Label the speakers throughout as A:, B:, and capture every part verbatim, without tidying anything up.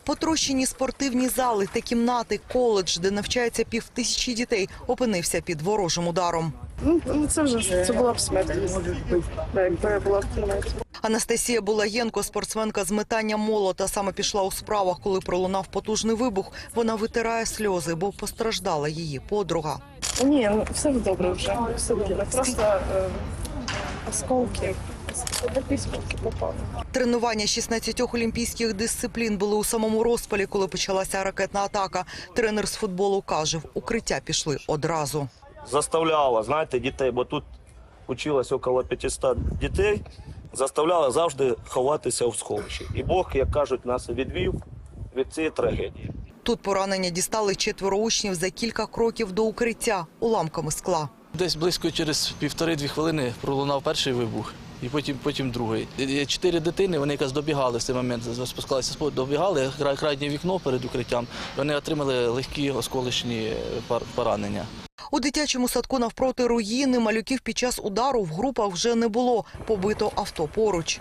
A: Потрощені спортивні зали та кімнати, коледж, де навчається півтисячі дітей, опинився під ворожим ударом.
B: Ну, це вже це була б смерть, якби я була в кімнаті.
A: Анастасія Булаєнко, спортсменка з метання молота, саме пішла у справах, коли пролунав потужний вибух. Вона витирає сльози, бо постраждала її подруга.
B: Ні, ну, все добре вже, все добре. Просто е, осколки, осколки попали.
A: Тренування шістнадцятьох олімпійських дисциплін були у самому розпалі, коли почалася ракетна атака. Тренер з футболу каже, в укриття пішли одразу.
C: Заставляла, знаєте, дітей, бо тут училось около п'ятисот дітей, заставляла завжди ховатися в сховищі. І Бог, як кажуть, нас відвів від цієї трагедії.
A: Тут поранення дістали четверо учнів за кілька кроків до укриття уламками скла.
D: Десь близько через півтори-дві хвилини пролунав перший вибух, і потім, потім другий. Чотири дитини, вони якраз добігали в цей момент, спускалися з поду, добігали, крайнє вікно перед укриттям, вони отримали легкі осколочні поранення.
A: У дитячому садку навпроти руїни малюків під час удару в групах вже не було. Побито авто поруч.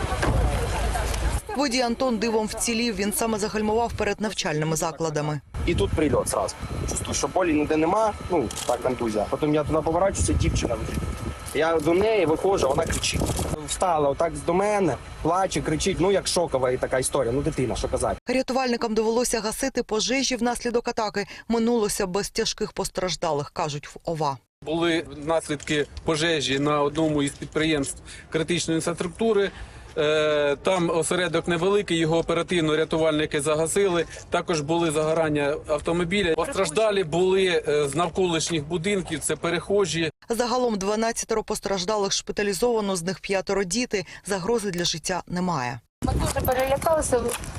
A: Водій Антон дивом вцілів, він саме загальмував перед навчальними закладами.
E: І тут прильот зразу. Чувствую, що болі ніде нема, ну, так контузія. Потім я туди поворачуюся, дівчина лежить. Я до неї виходжу, вона кричить. Встала отак до мене, плаче, кричить, ну як шокова і така історія, ну дитина, що казати.
A: Рятувальникам довелося гасити пожежі внаслідок атаки. Минулося без тяжких постраждалих, кажуть в ОВА.
F: Були наслідки пожежі на одному із підприємств критичної інфраструктури. Там осередок невеликий, його оперативно рятувальники загасили. Також були загорання автомобіля. Постраждалі були з навколишніх будинків, це перехожі.
A: Загалом дванадцятеро постраждалих шпиталізовано, з них п'ятеро діти. Загрози для життя немає.
G: Ми дуже перелякалися.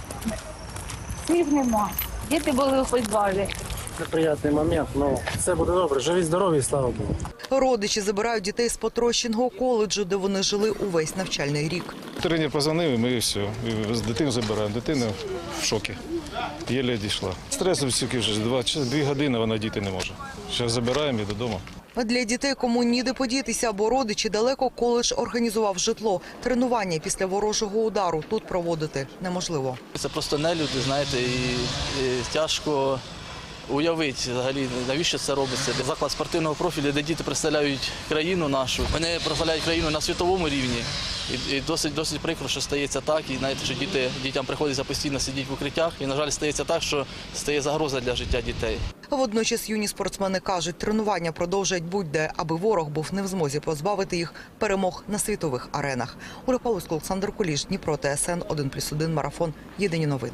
G: Слів нема. Діти були у підвалі.
H: Неприємний момент, але все буде добре. Живі, здорові, слава Богу.
A: Родичі забирають дітей з потрощеного коледжу, де вони жили увесь навчальний рік.
I: Тренер позвонив, і ми все. І дитину забираємо. Дитина в шокі. Єле дійшла. Стресу стільки вже, два, дві години вона діти не може. Зараз забираємо і додому.
A: Для дітей, кому ніде подітися, бо родичі далеко, коледж організував житло. Тренування після ворожого удару тут проводити неможливо.
D: Це просто нелюди, знаєте, і, і тяжко уявити взагалі, навіщо це робиться. Заклад спортивного профілю, де діти представляють країну нашу. Вони представляють країну на світовому рівні. І, і досить, досить прикро, що стається так. І знаєте, що діти, дітям приходиться постійно сидіти в укриттях. І, на жаль, стається так, що стає загроза для життя дітей.
A: Водночас юні спортсмени кажуть, тренування продовжать будь-де, аби ворог був не в змозі позбавити їх перемог на світових аренах. Оля Павловська, Олександр Куліш, Дніпро, Т С Н один плюс один, марафон. Єдині новини.